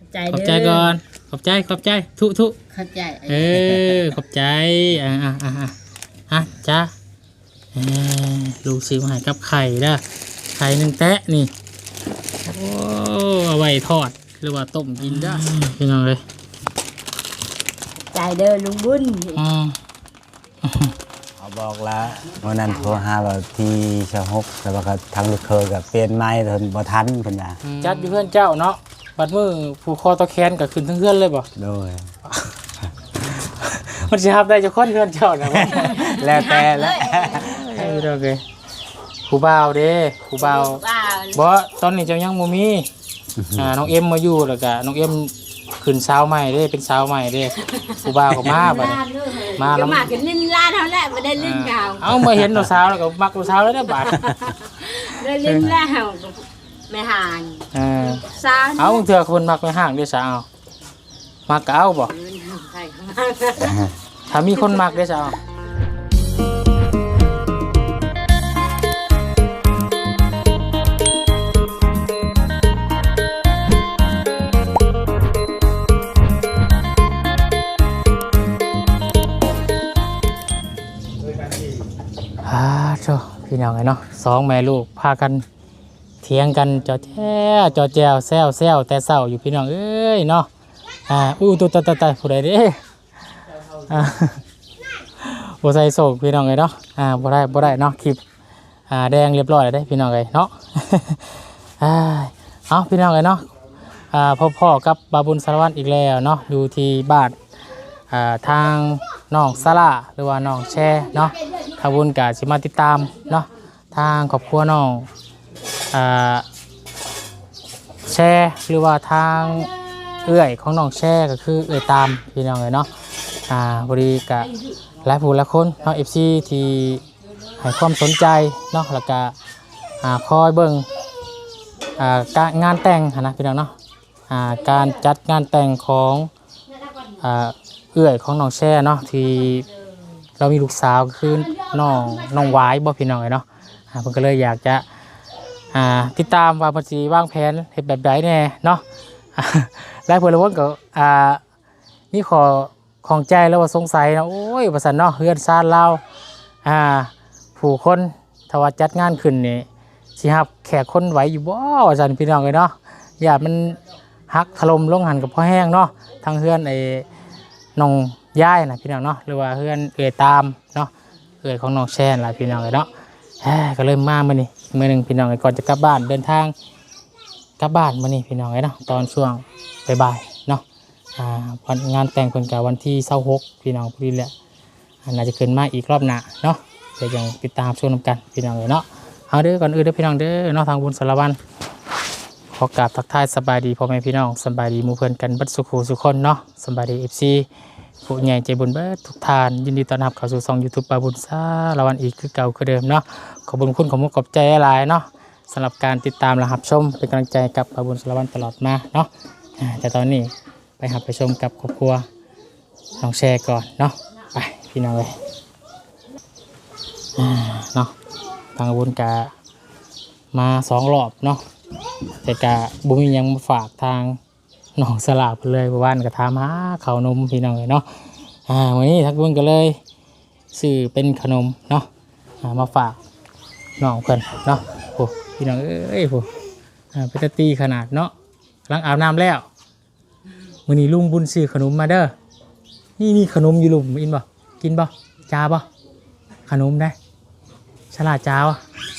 ขอบใจก่อนขอบใจทุขอบใจขอบใจจ้าลูกซื้อมาให้กับไข่เด้อไข่1แตะนี่โอ้เอาไว้ทอดหรือว่าต้มกินได้พี่น้องเลยใจเด้อลุงบุญเขาบอกแล้ววันนั้นโทรหาว่าที่ชะฮกแล้วก็ทางลูกเคยกับเปลี่ยนไม้ทนบ่ทันเพิ่นว่าจัดอยู่เพื่อนเจ้าเนาะบัดมื้อผู้คอตะแคนก็ขึ้นทั้งเพื่อนเลยบ่โดยมันสิรับได้เจ้าคนเพื่อนเจ้านะแล้วแต่แล้วโอเคผู้บ่าวเด้ผู้บ่าวบ่ตอนนี้เจ้ายังบ่มีน้องเอ็มมาอยู่แล้วก็น้องเอ็มขึ้นสาวใหม่เด้เป็นสาวใหม่เด้ผู้บ่าวก็มาบัดนี้มาแล้วมากันลิ้นลาดเท่านั้นบ่ได้ลิ้นกาวเอามาเห็นสาวแล้วก็มักสาวแล้วได้บาดได้ลิ้นแล้วไม่ห่างสาวเอาเถื่อคนมักไม่ห่างเด้สาวมักก็เอาบ่ถ้ามีคนมักเด้สาวพี่น้องไงเนาะ2แม่ลูกพากันเถียงกันจอแจวแซวแต่เศร้าอยู่พี่น้องเอ้ยเนาะตัวผู้ใดเด้บ่ใส่โศกพี่น้องไงเนาะบ่ได้เนาะคลิปแดงเรียบร้อยแล้วได้พี่น้องไงเนาะเอาพี่น้องไงเนาะพ่อกับบาบุญสารวัตรอีกแล้วเนาะอยู่ที่บ้านทางน้องสลาหรือว่าน้องแช่เนาะทางบุญกะสิมาติดตามเนาะทางครอบครัวน้องแช่หรือว่าทางเอื้อยของน้องแช่ก็คือเอื้อยตามพี่น้องเลยเนาะบริกะหลายผู้หลายคนเนาะ FC ที่ให้ความสนใจเนาะแล้วก็คอยเบิ่งการงานแต่งนะพี่น้องเนาะการจัดงานแต่งของเอื้อยของน้องแช่เนาะที่เรามีลูกสาวคือน้องวายบ่พี่น้องเนาะเพิ่นก็เลยอยากจะติดตามว่าเพิ่นสิวางแผนเฮ็ดแบบใดแน่เนาะหลายเพิ่นละวนก็นี่ขอของใจแล้วว่าสงสัยนะโอ้ยว่าซั่นเนาะเฮือนซ่านลาวผู้คนถ้าว่าจัดงานขึ้นนี่สิรับแขกคนไหวอยู่บ่ว่าซั่นพี่น้องเนาะอย่ามันหักถล่มลงหันกับพ่อแห้งเนาะทางเฮือนน้องย่ายนะพี่น้องเนาะหรือว่าเพื่อนเอ่ยตามเนาะเอ่ยของน้องแช่นล่ะพี่น้องเนาะก็เริ่มมามื้อนี้มื้อนึงพี่น้องก่อนจะกลับบ้านเดินทางกลับบ้านมื้อนี้พี่น้องเนาะตอนช่วงบ่ายๆเนาะวันงานแต่งเพิ่นก็วันที่26พี่น้องพอดีแหละน่าจะขึ้นมาอีกรอบหน้าเนาะเดี๋ยวยังติดตามชมกันพี่น้องเนาะเอาเด้อก่อนอื่นเด้อพี่น้องเด้อเนาะทางบุญสารวัตรขอกราบทักทายสบายดีพ่อแม่พี่น้องสบายดีหมู่เพื่อนกันบัดสุขสุขคนเนาะสบายดี FCผู้ใหญ่ใจบุญเบิดทุกท่านยินดีต้อนรับเข้าสู่ช่อง YouTube บาบุญสารวัตรอีกคือเก่าคือเดิมเนาะขอบคุณขอบมุกขอบใจหลายเนาะสำหรับการติดตามและรับชมเป็นกำลังใจกับบาบุญสารวัตรตลอดมาเนาะแต่ตอนนี้ไปชมกับครอบครัวน้องแชร์ก่อนเนาะไปพี่น้องเลยเนาะทางบุญกะมา2 รอบเนาะแต่กะบุญยังมาฝากทางน้องสลาบเลยวันก็ถามหาข้าวนมพี่น้องเลยเนาะวันนี้ทักบุญก็เลยซื้อเป็นขนมเนาะมาฝากน้องเพิ่นเนาะโอ้พี่น้องเอ้ยโอ้เป็นตีขนาดเนาะกำลังอาบน้ำแล้ววันนี้ลุงบุญซื้อขนมมาเด้อนี่ขนมอยู่ลุมอินบ่กินบ่จ้าบ่ขนมได้ฉลาดจ้าวะ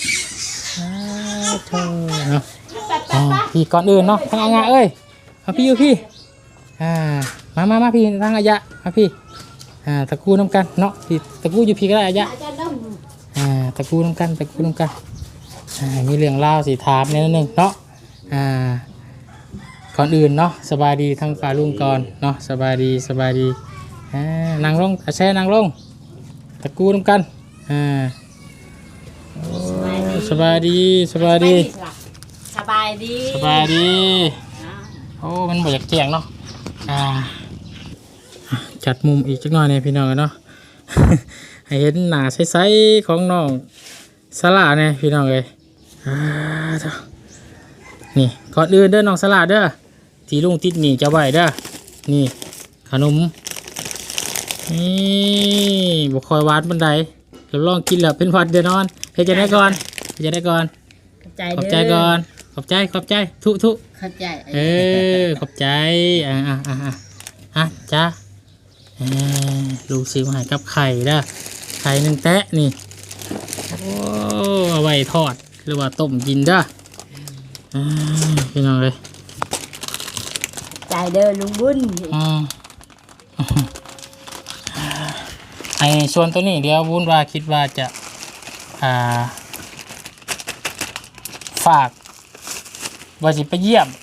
เธอเนาะพี่ก่อนอื่นเนาะทางงาเอ้ยพี่อยู่พี่มาพี่ทางอายะมาพี่ตะกูน้ำกันเนาะพี่ตะกูอยู่พี่ก็ได้อายะตะกูน้ำกันมีเรื่องเล่าสีถามนิดนึงเนาะก่อนอื่นเนาะสบายดีทั้งฝ่ายลุงก่อนเนาะสบายดีนั่งลงแช่นั่งลงตะกูน้ำกันสบายดีโอ้มันบ่อยากแจ้งเนาะจัดมุมอีกจักหน่อยเนี่ยพี่น้องเนาะ ให้เห็นหน้าใสๆของน้องสลาเนี่ยพี่น้องเลยนี่ก่อนอื่นเด้อน้องสลาเด้อที่ลุงติดหนีจะไว้เด้อนี่ขนมนี่บ่คอยหวานบันไดเราลองกินแล้วเป็นหวัดเดี๋ยวนอนเฮ็ดจะได้ก่อนเฮ็ดจะได้ก่อน ขอบใจก่อนขอบใจทุเข้าใจขอบใจจ้าลูกซื้อมาให้กับไข่เด้อไข่หนึ่งแตะนี่โอ้เอาไว้ทอดหรือว่าต้มกินเด้อพี่น้องเลยใจเด้อลุงบุญไอ้ส่วนตัวนี้เดี๋ยววุ้นว่าคิดว่าจะฝากว่าสิไปเยี่ยม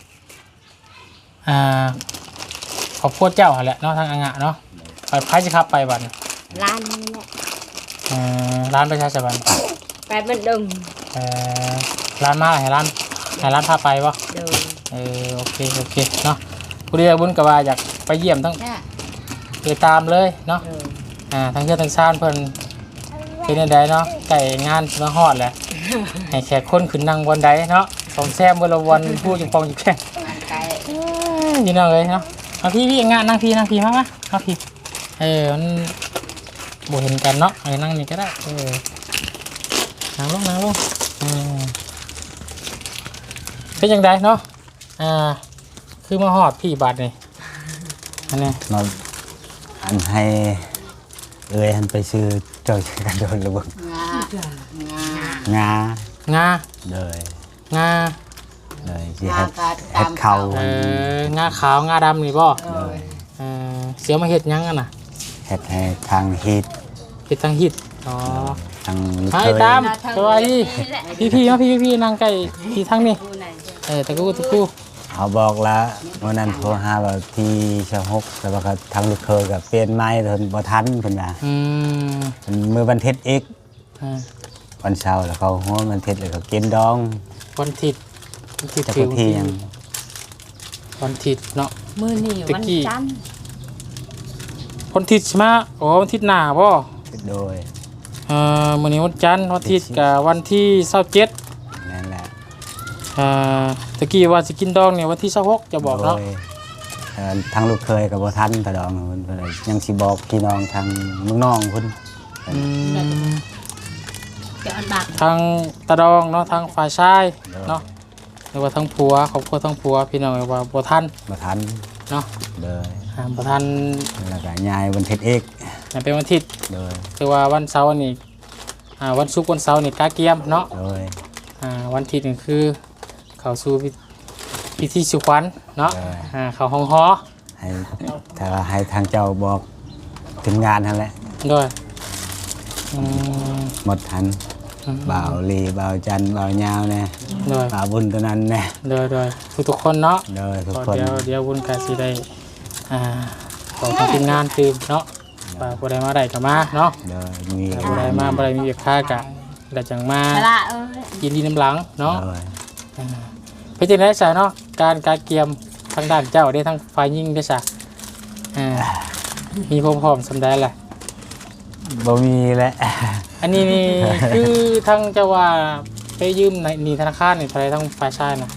ขอบคุณเจ้าหั่นแหละเนาะทางอ่างะเนาะไปพายสิครับไปบัดร้านนี้แหละร้านประชาชนไปมันดงร้านมาให้ร้านพาไปวะเดินโอเคเนาะกูเรียกบุญกับว่าอยากไปเยี่ยมทั้งไปตามเลยเนาะทั้งเพื่อนทั้งชาติเพิ่นเป็นยังไงเนาะไก่งานมาฮอดแหละให้แขกคนขึ้นนั่งบนใดเนาะสองแซมบนละวันพูดจังปองจังแค่ยินดีเลยเนาะเอาพี่งานนั่งพี่มาพี่มันบ่เห็นกันเนาะนั่งนี่ก็ได้นั่งลงเป็นยังไงเนาะคือมาฮอดพี่บาทนี่อันนี้มาอันให้อันไปซื้อเจ้ากันโดนระเบิดงาเลยสิเฮ็ดเขางาขาวงาดำนี่บ่เสียมาเฮ็ดยังอ่ะน่ะเฮ็ดให้ทางฮิตเฮ็ดทางฮิตทางไปตามสวัสดีพี่มาพี่นั่งใกล้พี่ทางนี้ตะกูเขาบอกแล้ววันนั้นโทรหาว่าที่ชาวฮกแล้วก็ทางลูกเคยกับเปลี่ยนไม้เพิ่นบ่ทันเพิ่นว่ามื้อวันอาทิตย์อีกวันเสาร์แล้วเขาฮ้อวันอาทิตย์แล้วก็กินดองวันอาทิตย์จะไปที่ยังวันอาทิตย์เนาะมื้อนี้วันจันทร์วันอาทิตย์ใช่ไหมวันอาทิตย์หน้าบ่โดยมื้อนี้วันจันทร์วันอาทิตย์กับวันที่27 นั่นแหละตะกี้ว่าสิกินดองเนี่ยวันที่26จะบอกเนาะทางลูกเคยกับบ่ทันตะดองเพิ่นยังสิบอกพี่น้องทางเมืองน้องเพิ่นทางตะดองเนาะทางฝ่ายชายเนาะหรือว่าทางผัวครอบครัวทางผัวพี่น้องว่าบ่ทันเนาะเลยบ่ทันแล้วก็ยายวันอาทิตย์อีกเป็นวันอาทิตย์เลยคือว่าวันเสาร์นี่วันศุกร์วันเสาร์นี่กาเกียมเนาะเลยวันอาทิตย์นี่คือเข้าสู่พิธีสุขวัญเนาะเข้าห้องหอให้ทางเจ้าบอกถึงงานนั่นแหละด้วยหมดทันบ่าวลีบ่าวจันบ่าวยาวเนี่ยบ่าวบุญตัวนั้นเนี่ยด้วยทุกคนเนาะทุกคนเดี๋ยวบุญกาสิได้ของทางทีมงานคือเนาะบ่ได้มาได้ก็มาเนาะบ่ได้มาบ่ได้มีเวียกค่ากะได้จังมายินดีน้ำหลังเนาะเป็นจังได๋ซะเนาะการเกียมทางด้านเจ้าได้ทั้งฝ่ายยิงได้ซะมีพร้อมสำได้แหละบ่มีแล้วอันนี้นี่คือทางเจ้าว่าไปยืมในธนาคารนี่เท่าไหร่ทั้งฝ่ายชายน่ะ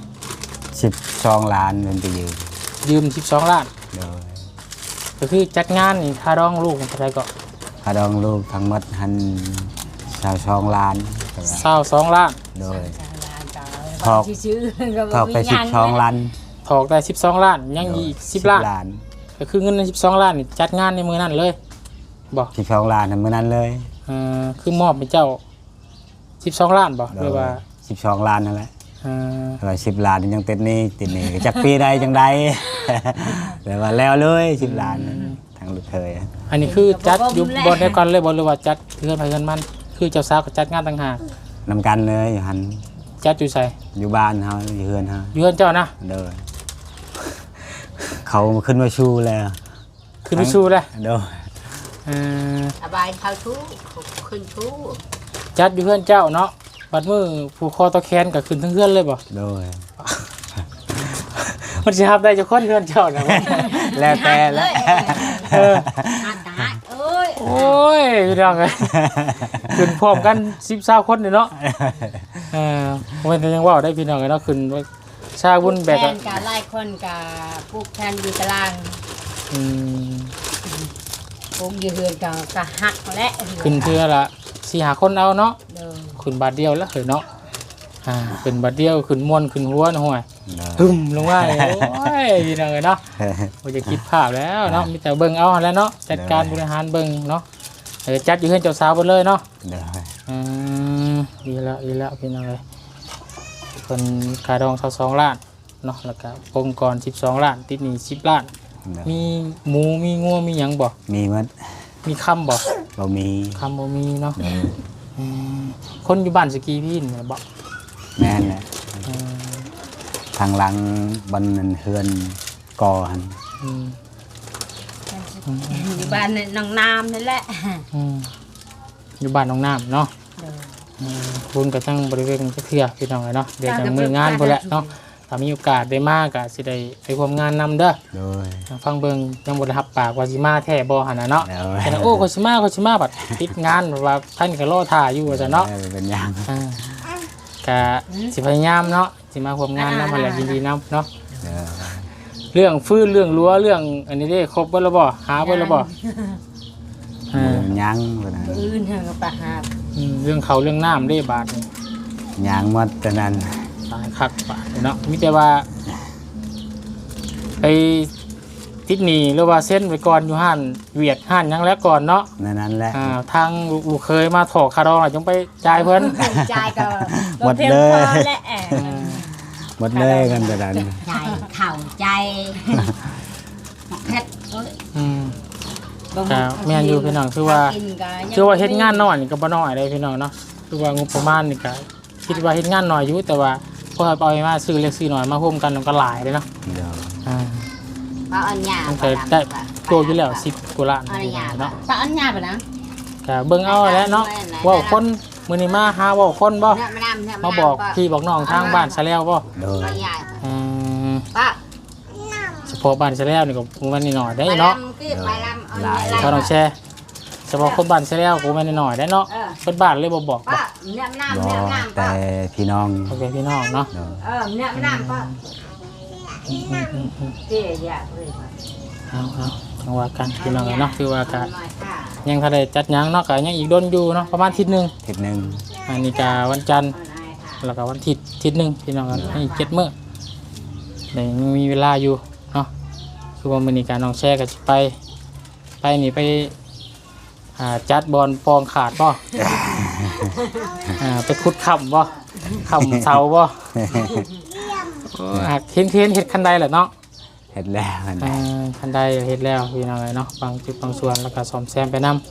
12 ล้านเงินไปยืม12 ล้านก็คือจัดงานนี่ค่าดองลูกเท่าไหร่ก็ค่าดองลูกทั้งหมดหัน22 ล้าน 22 ล้านโดยถอกไป12 ล้านถอกได้12 ล้านยังอีก10 ล้านก็คือเงินใน12 ล้านนี่จัดงานในมื้อนั้นเลยบ่ 12 ล้านในมื้อนั้นเลยคือมอบให้เจ้า12 ล้านบ่หรือว่า 12 ล้านนั่นแหละว่า10 ล้านยังติดหนี้จักปีใดจังใดแต่ว่าแล้วเลย10 ล้านทางลูกเคยอันนี้คือจัดอยู่บ่ได้ก่อนเลยบ่หรือว่าจัดเพื่อนไปเงินมันคือเจ้าสาวก็จัดงานต่างหากนำกันเลยอยู่หันจัดอยู่ไสอยู่บ้านเฮาอยู่เฮือนเฮาอยู่เฮือนเจ้านะเด้อเขาขึ้นมาชูแล้วขึ้นมาชูแล้วเด้อสบายเขาชูขึ้นชูจัดอยู่เฮือนเจ้าเนาะบัดมื้อผู้คอตะแคนก็ขึ้นทั้งเฮือนเลยบ่โดยมันสิรับได้จักคนเฮือนเจ้าน่ะแล้วแต่ละโอ้ยพี่น้องเอ้ยขึ้นพร้อมกัน10-20คนนี่เนาะมันยังว่าได้พี่น้องเนาะขึ้นชาบุญแบบแทนกับไล่คนกับปลูกแทนอยู่ตารางอืมปลูกอยู่เฮือนกับหักและขึ้นเทื่อละ4-5คนเอาเนาะเด้อขึ้นบาทเดียวแล้วเหรอเนาะขึ้นบาทเดียวขึ้นม่วนขึ้นหัวนะห่วยโดยหึมลงมาเลยโอ้ยพี่น้องเอ้ยเนาะบ่จะคิดภาพแล้วเนาะมีแต่เบิ่งเอาหั่นแหล้วเนาะจัดการบริหารเบิ่งเนาะจัดอยู่เฮือนเจ้าสาวเบิดเลยเนาะโดยอืมดีแล้วพี่น้องเอ้ยเพิ่นค่าดอง22ล้านเนาะแล้วก็องค์กร12ล้านติดหนี้10ล้านโดยมีหมูมีงัวมีหยังบ่มีหมดมีคำบ่บ่มีคำบ่มีเนาะโดยอืมคนอยู่บ้านสกีพี่นี่บ่แม่นแหละอืมทางหลังบนนั้นเฮือนก่อหันอืมอยู่บ้านน้องน้ำนั่นแหละอืมอยู่บ้านน้องน้ำเนาะเด้อบุญกับทั้งบริเวณเทื่อพี่น้องเลยเนาะเดี๋ยวจะมืองานพอแหละเนาะถ้ามีโอกาสได้มากก็สิได้ไปร่วมงานนำเด้อโดยฟังเบิ่งยังบ่ได้รับปากว่าสิมาแท้บ่หั่นน่ะเนาะโดยแต่โอ้ก็สิมาบัดติดงานแบบว่าท่านก็รอท่าอยู่ว่าซั่นเนาะเป็นอย่างก็สิพยายามเนาะสิมาร่วมงานนำมาแหละยินดีนำเนาะโดยเรื่องฟื้นเรื่องรั้วเรื่องอันนี้ได้ครบเบิดแล้วบ่หาเบิดแล้วบ่ยังเพิ่นน่ะอื่นเฮาก็ไปหาเรื่องเขาเรื่องน้ำได้บาดนี่ยังหมดแต่นั้นตายคักบาดเนาะมีแต่ว่าไปติดหนี้หรือว่าเส้นไว้ก่อนอยู่ห้านเวียดห้านหยังแล้วก่อนเนาะนั่นแหละทางลูกเคยมาถอกคาดองจงไปจ่ายเพิ่นใจายก็หมดเลยบ่พีงพอและหมดเลยกันแต่นั้นใจเข่าใจเพชรอืม ก็แม่นอยู่พี่น้องคือว่าเฮ็ดงานน้อยนี่ก็บ่น้อยเลยพี่น้องเนาะคือว่างบประมาณนี่ก็คิดว่าเฮ็ดงานน้อยอยู่แต่ว่าพอเอาไปมาซื้อเล็กซื้อน้อยมาร่วมกันมันก็หลายเลยเนาะเดี๋ยวป้าอันยามันก็ได้ตัวอยู่แล้ว10กว่าล้านอันยาเนาะป้าอันยาไปนะก็เบิ่งเอาแหล้วเนาะเว้าคนมื้อนี้มาหาเว้าคนบ่เนี่ยมันน้ำเนี่ยมาบอกพี่บอกน้องทางบ้านซะแล้วบ่โดยป้ายาอืมป้าเฉพาะบ้านซะแล้วนี่ก็มันนิดหน่อยได้เนาะไปลำเขาต้องแชร์เฉพาะคนบ้านซะแล้วก็มันนิดหน่อยได้เนาะเพิ่นบ้านเลยบ่บอกบ่ป้าเนี่ยมันน้ำบ่เนี่ยมันน้ำแต่ป้าพี่น้องโอเคพี่น้องเนาะโดยเนี่ยมันน้ำป้าเจ๊ยาเลยเอาจังว่ากันพี่น้องเนาะคือว่าก็ยังทันได้จัดหยังเนาะก็ยังอีกดนอยู่เนาะประมาณอาทิตย์หนึงทิศหนึงอันนี้ก็วันจันทร์แล้วก็วันอาทิตย์หนึงพี่น้องให้7มื้อได้ยังมีเวลาอยู่เนาะคือว่ามื้อนี้ก็น้องแชร์ก็สิไปนี่ไปจัดบอลปองขาดบ่ ไปขุดค่ำบ่ค่ำเสาบ่หักเห็นเฮ็ดคันใดแหละเนาะเฮ็ดแล้วกันคันใดเฮ็ดแล้วพี่น้องเนาะบางจุดบางส่วนแล้วก็ซ่อมแซมไปนํ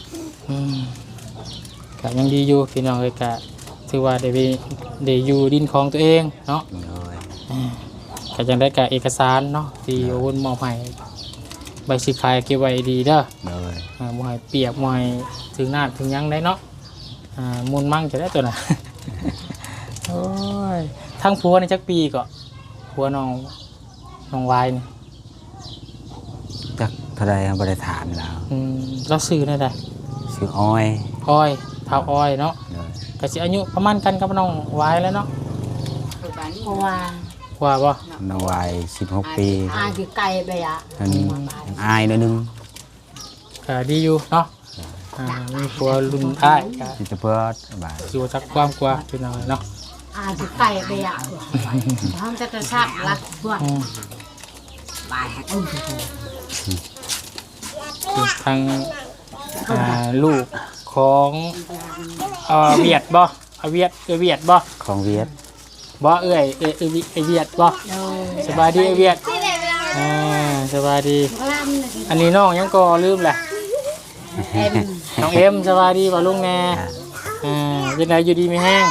ก็ยังดีอยู่พี่น้องเอ้ยก็ถือว่าได้อยู่ดินของตัวเองเนาะโดยก็ยังได้กับเอกสารเนาะที่โอนมอบให้ใบสิขายเก็บไว้ดีเด้อโดยบ่ให้เปียกบ่ให้ถึงน้ำถึงหยังได้เนาะมูลมั่งจะได้ตัวน่ะ โอ้ยทั้งผัวในจักปีก็ผัวน้องวายนี่จักเท่าใดบ่ได้ถามแล้วเราซื้อได้ไดชื่ออ้อยอ้อยเท้าอ้อยเนาะโดยก็สิอายุประมาณกันกับน้องวายแล้วเนาะเพราะว่าว่าบ่น้องวัย16 ปีคือไก่ไปอ่ะอันอายหนิดนึงก็ดีอยู่เนาะมีผัวรุ่นอ้ายก็สิจะเพื่อบาดอยู่จักความกว่าพี่น้องเนาะคือไก่ไปอ่ะห้องจะกระชับรักพวกบายอุ้มคือทางลูกของเวียดบ่เวียดบ่ของเวียดบ่เอ้ยเวียดบ่สบายดีเวียดสบายดีอันนี้น้องยังก็ลืมแหละน้องเอ็มสบายดีบ่ลุงแน่ยังไงอยู่ดีมีแห้ง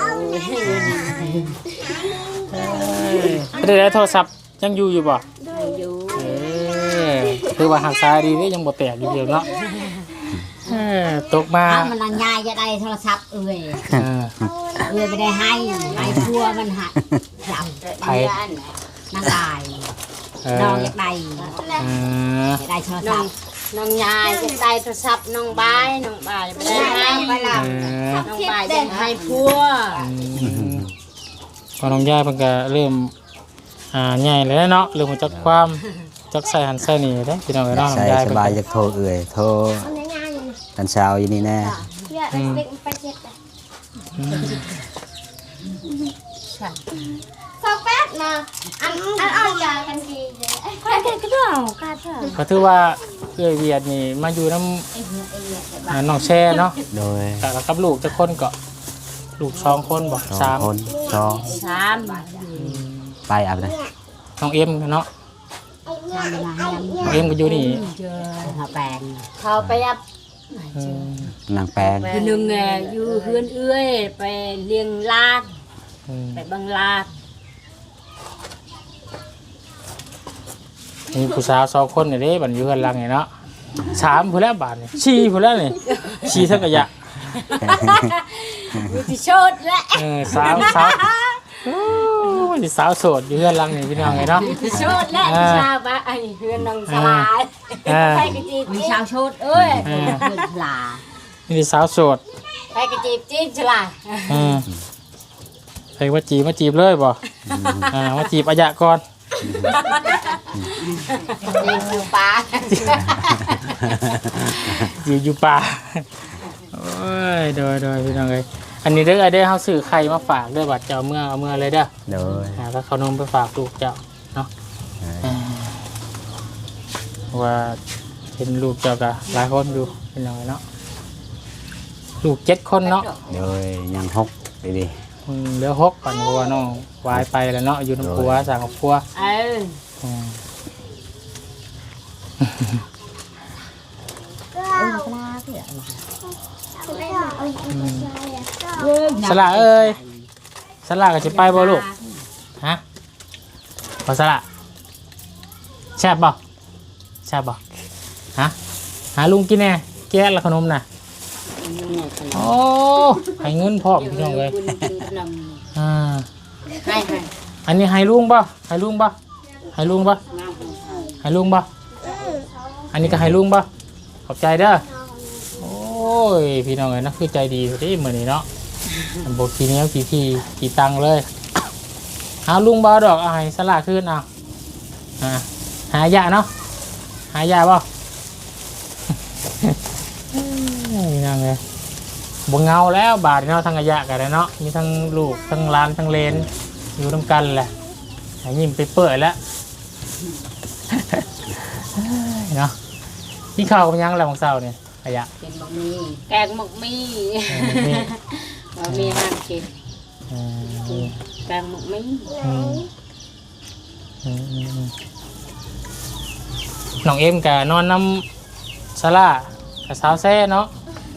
ได้โทรศัพท์ยังอยู่บ่คือว่าหักซ้ายดีนี่ยังบ่แตกอยู่เดียวเนาะตกมามันนายจะได้โทรศัพท์ไม่ได้ให้พัวมันหักจับนั่งได้น้องอยากได้จะได้โทรศัพท์น้องยายจะได้โทรศัพท์น้องบายไม่ได้ให้น้องบายจะให้พัวพอน้องย่าเพิ่นก็เริ่มใหญ่เลยเนาะเรื่องของจักความจักใส่หันใส่นี่เด้พี่น้องเอ้ยเนาะใส่ยายสเพิ่นบายจะโทรเอื่อยโทรตอนเช้าอยู่นี่แน่สแป๊ดนะอันเอายากันดีเลยใครก็ได้กาเถอะก็ถือว่าเอ้ยเวียดนี่มาอยู่นำน้องแช่เนาะโดยกับลูกจักคนก็ลูก2คนบ่สองคนสองสามไปอาบน้น้องเอ็มเนาะทำมาให้น้องเอ็มก็อยู่นี่เจอเขาแปลงเขาไปยับอืมำนางแปลงคือหนึ่งอยู่เฮือนเอื้อยไปเลี้ยงลาดอืมไปบังลาดมีผู้สาว2คนนี่เด้บัดอยู่กันหลังนี่เนาะ3พุ่นแล้วบาดนี่4พุ่นแล้วนี่4ทั้งกะยะมีที่โชดและสาวโอ้ยสาวโสดอยู่กันหลังนี่พี่น้องไงเนาะที่โชดและที่ชาวบ้านไอ้เฮือนนางสลายใครก็จีบมีชาวโชดเอ้ยเฮือนปลานี่สาวโสดใครก็จีบจีบฉลาดใครมาจีบเลยบ่มาจีบอายะก่อนจีบอยู่ป่าอยู่ป่าโอ้ยโดยพี่น้องเลยอันนี้เด้อเฮาซื้อไข่มาฝากเด้อบัดเจ้าเมื่อเลยเด้อโดยถ้าขนมไปฝากลูกเจ้าเนาะว่าเห็นลูกเจ้าก็หลายคนอยู่พี่น้องเนาะลูก7คนเนาะโดยยังหกดีเหลือ6ก่อนเพราะว่าน้องวายไปแล้วเนาะอยู่น้ำครัวสั่งกับครัว อืมสละเอ้ยสละก็จะไปบ่ลูกฮะบ่สละแซ่บบ่แซ่บบ่ฮะหาลุงกินแน่แก้ละขนมน่ะโอ้ให้เงินพร้อมพี่น้องเลยอ่าให้อันนี้ให้ลุงบ่ให้ลุงบ่ให้ลุงบ่ให้ลุงบ่อันนี้ก็ให้ลุงบ่ขอบใจเด้อโอ้ยพี่น้องเอ้ยนะคือใจดีที่มื้อนี้เนาะบ่ขี้เหนียวขี้ตังเลยหาลุงบ่ดอกเอาให้สละคืนเอาหายาเนาะหายาบ่ พี่น้องเอ้ยบ่เงาแล้วบาดเนาะทั้งระยะกันเลยเนาะมีทั้งลูกทั้งหลานทั้งเลนอยู่นำกันแหละให้ยิ้มไปเปื่อยแล้ว เนาะพี่ข้าวกับยังอะไรของเศร้าเนี่ยระยะเป็นบะหมี่แกงหมกมี่นี่บะหมี่ห้ามกินอืมแกงหมกมี่น้องเอ็มกับนอนน้ำซาร่ากับสาวแซ่เนาะ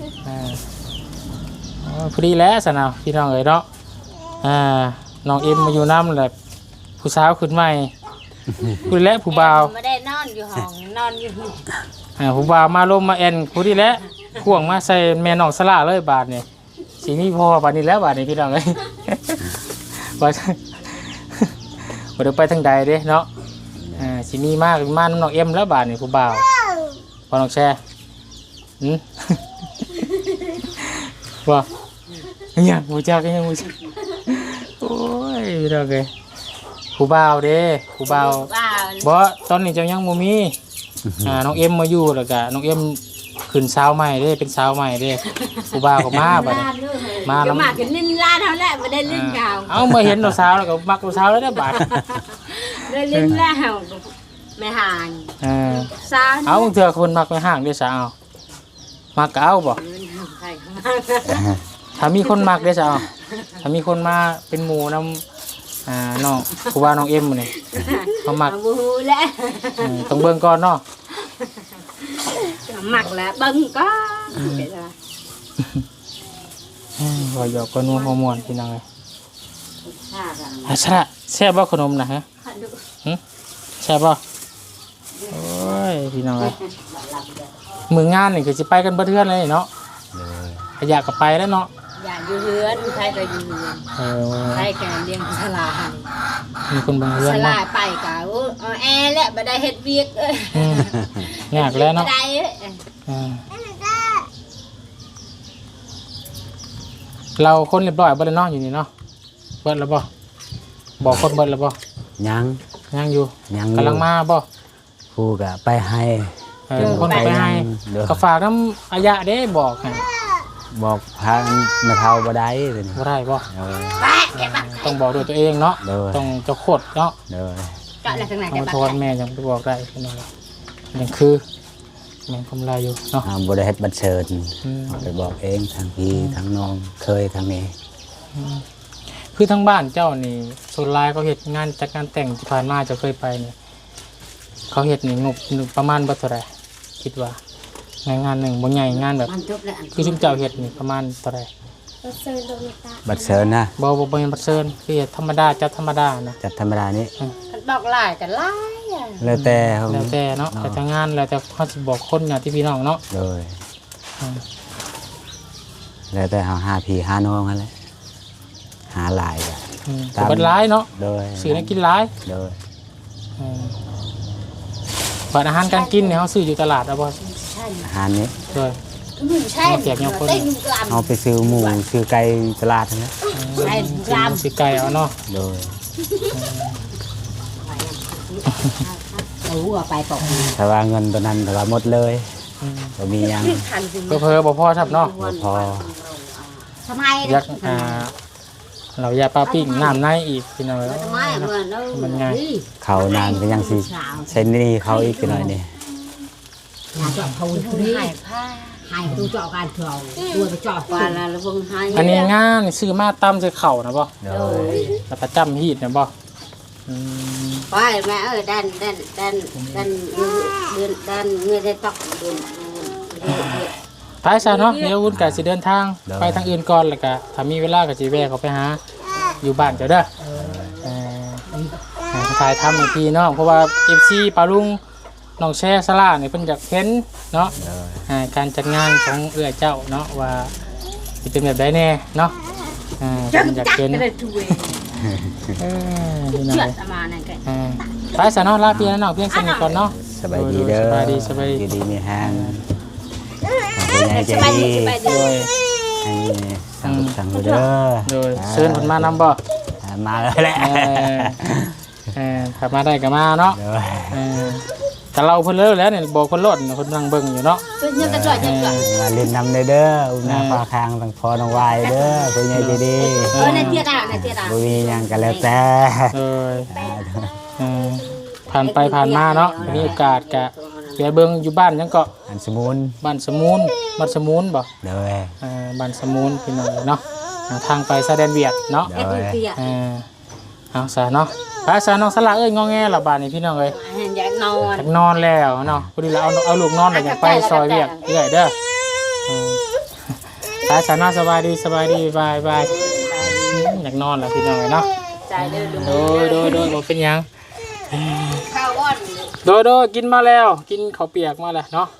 พอดีแล้วสนาวพี่น้องเอ๋ยเนาะน้องเอ็มมาอยู่น้ำแบบผู้สาวขึ้นใหม่ผู้และผู้บ่าวไม่ได้นอนอยู่ห้องนอนอยู่ผู้บ่าวมาลมมาแอนผู้ดีแล้วข่วงมาใส่แม่น้องซาร่าเลยบาทเนี่ยสีนี้พอบาทนี้แล้วบาทนี้พี่น้องเอ้ย ว่าเดี๋ยวไปทางใดเด้เนาะสีนี้มากมาน้องเอ็มแล้วบาทนี่ผู้บ่าวพอน้องแช่ว่าเนี่ยบูจักยังบูจักโอ้ยพี่น้องเอ้ยผู้บ่าวเด้ผู้บ่าวบ่ตอนนี้เจ้ายังบ่มีน้องเอ็มมาอยู่แล้วก็น้องเอ็มขึ้นสาวใหม่เด้เป็นสาวใหม่เด้ผู้บ่าวก็มาบัดนี้มาก็แล้วมากันลิ้นล้านเท่านั้นไม่ได้ลิ้นเก่าเอามาเห็นเราสาวแล้วก็มักเราสาวแล้วได้บาดได้ลิ้นแล้วไม่ห่าง ซาเอาบางเถื่อคนมักไปห้างด้วยสาวมักก็เอาบ่ถ้ามีคนมักด้วยสาวถ้ามีคนมาเป็นหมู่นำน้องผู้บ่าวน้องเอ็มนี่เขามักบูแล้วต้องเบิ่งก่อนเนาะมักแล้วบังก็ว่าหยอกก็นัวหัวม่วนพี่น้องเอ้ยชะแซ่บบ่ขนมนะฮะแซ่บบ่โอ้ยพี่น้องเอ้ยมื้องานนี่ก็สิไปกันเบิดเทื่อนเลยเนาะขยะก็ไปแล้วเนาะอย่าอยู่เฮือนใครก็อยู่เฮือนใครแกเลี้ยงสลามีคนบางเรือนสเนาะลาไปกะแอร์และบ่ได้เฮ็ดเวียกยากแล้วเนาะบ่ได้เราคนเรียบร้อยเบิดแล้วเนาะอยู่นี่เนาะเบิดแล้วบ่บอกคนเบิดแล้วบ่ยังอยู่ยังกำลังมาบ่ผู้ก็ไปให้คนไปให้เด้อก็ฝากน้ำอายะเด้บอกให้บอกพามาเท่าบ่ได้เลยบ่ได้บ่เออต้องบอกด้วยตัวเองเนาะเด้อต้องเจ้าโคตรเนาะเด้อก็อะไรทั้งไหนต้องแต่มาโทษแม่ยังไปบอกได้พี่น้องยังคือแม่งกำไรอยู่เนาะบ่ได้เฮ็ดบัตรเชิญอืมเอาไปบอกเองทางพี่ทางน้องเคยทางนี้คือทั้งบ้านเจ้านี่ส่วนหลายเขาเฮ็ดงานจากงานแต่งที่ผ่านมาจะเคยไปนี่เขาเฮ็ดนี่งบประมาณบ่เท่าไหร่คิดว่างานหนึ่งบ่ใหญ่งานแบบมันจบแล้วคือชุมเจ้าเฮ็ดนี่ประมาณเท่าไหร่บัตรเชิญนะบ่เป็นบัตรเชิญคือเฮ็ดธรรมดาจัดธรรมดานะจัดธรรมดานี้มันบอกหลายกันหลายอ่ะแล้วแต่เขาแล้วแต่เนาะแต่งานแล้วแต่เขาสิบอกคนเนี่ยที่พี่น้องเนาะโดยอืมแล้วแต่เขาหาพี่หาน้องนั่นแหละหาหลายอะแต่บัดหลายเนาะโดยซื้อให้กินหลายโดยบัดอาหารการกินเนี่ยเขาซื้ออยู่ตลาดเอาบ่อาหารนี้โดยหนุ่มใช่มาแจกยังคนได้หนุ่มกลามเอาไปซื้อหมูซื้อไก่ตลาดนั่นแหละใช่กลามซื้อไก่เอาเนาะโดยเอาหัวไปปอกถ้าว่าเงินตัวนั้นถ้าว่าหมดเลยบ่มีหยังทันสิก็เพิ่บ่พอครับเนาะบ่พอทำไมยักเรายาปลาปิ้งน้ำในอีกพี่น้องทำไมเหมือนเรามันไงเขานานก็ยังสิใช้หนี่เขาอีกหน่อยนี่อยากจะเอาคนนี้ให้ดูเจาะการเถื่อนตัวไปเจาะปลาแล้วพวกให้อันนี้งานซื้อมาตำใส่เข่านะบ่โดยแล้วก็จำฮีดนะบ่ไปแม่เอ้ยดันเงยได้ตอกเดือนไปซะเนาะเดี๋ยววุ้นก็สิเดินทางไปทางอื่นก่อนแล้วก็ถ้ามีเวลาก็สิแวะเขาไปหาอยู่บ้านเจ้าเด้อถ่ายทำอีกทีเนาะเพราะว่า FC ปาลุงน้องแช่สลาเนี่ยเพิ่นอยากเห็นเนาะโดยการจัดงานของเอื้อเจ้าเนาะว่าสิเป็นแบบใดแน่เนาะเพิ่นอยากเห็นพี่น้องเชื่อมานั่นแกไปซะเนาะลาพี่น้องเพียงสนิทก่อนเนาะสบายดีเด้อสบายดีสบายดีอยู่ดีมีแห้งผู้ใหญ่ใจดีโดยให้สั่งลูกสั่งลูกเด้อโดยเชิญเพิ่นมานำบ่มาเลยแหละถ้ามาได้ก็มาเนาะโดยแต่เราเพิ่นเลิกแล้วเนี่ยบอกเพิ่นโลดเพิ่นนั่งเบิ่งอยู่เนาะยังกระจ่อยยังกระมาเล่นน้ำเด้ออุ้มหน้าฟ้าคางตั้งพอน้องวายเด้อผู้ใหญ่ใจดีในเตี้ยดาในเตี้ยดาบ่มีหยังก็แล้วแต่โดยผ่านไปผ่านมาเนาะมีโอกาสกะเดี๋ยวเบิ่งอยู่บ้านยังก็อันสมุนบ้านสมูนบ้านสมูนบ่โดยบ้านสมูนพี่น้องเนาะทางไปสะแดนเวียดเนาะไอ้ตุ้ยเตี้ยเอาซะเนาะไปซะน้องสละเอ้ยงอแงละบ้านนี้พี่น้องเอ้ยอยากนอนอยากนอนแล้วเนาะพอดีเราเอาลูกนอนแล้วอยากไปซอยเวียดเรื่อยเด้อไปซะเนาะสบายดีบายบายอยากนอนแล้วพี่น้องเอ้ยเนาะใจเดินโดยบ่เป็นหยังข้าวอ้อนโดยกินมาแล้วกินข้าวเปียกมาแล้วเนาะ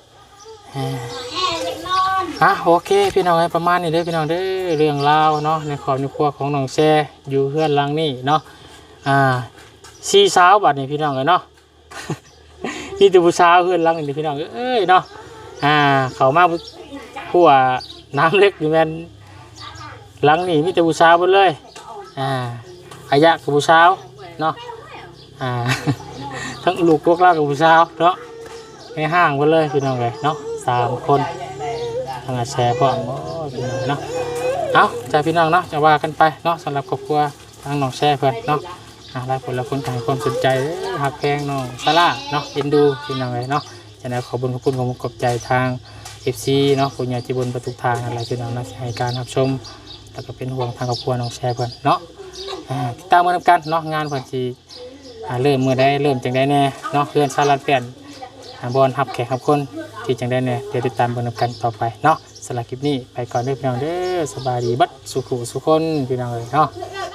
โอเคพี่น้องประมาณนี้เด้อพี่น้องเด้อเรื่องราวเนาะในครอบครัวของน้องแช่อยู่เฮือนหลังนี้เนาะสี่สาวบัดนี้พี่น้องเนาะ มีแต่ผู้สาวเฮือนหลังนี้พี่น้องเอ้ยเนาะเขามาผัวน้ำเล็กอยู่แม่นหลังนี้มีแต่ผู้สาวหมดเลยอายะกับผู้สาวเนาะ ทั้งลูกพวกเรากับผู้สาวเนาะในห้างไปเลยพี่น้องเลยเนาะ3 คนทางแชร์พ่อพี่น้องเนาะเอาจากพี่น้องเนาะจะว่ากันไปเนาะสำหรับครอบครัวทางน้องแชร์เพื่อนเนาะหลายคนละคนให้ความสนใจหักแพงน้องซาร่าเนาะเอ็นดูพี่น้องเลยเนาะจะได้ขอบคุณของขอบใจทาง FC เนาะผู้ใหญ่ที่บนประตูทางอะไรพี่น้องนะให้การรับชมแล้วก็เป็นห่วงทางครอบครัวน้องแชร์เพื่อนเนาะติดตามมาทำกันเนาะงานเพื่อนที่เริ่มมือได้เริ่มจังได้แน่เนาะเพื่อนสารัดเปลี่ยนบอลหับแขกหับคนที่จังได้แน่เดี๋ยวติดตามบนกันต่อไปเนาะสำหรับคลิปนี้ไปก่อนเด้อพี่น้องเด้อสบายดีบัดสุขุสุคนพี่น้องเลยเนาะเ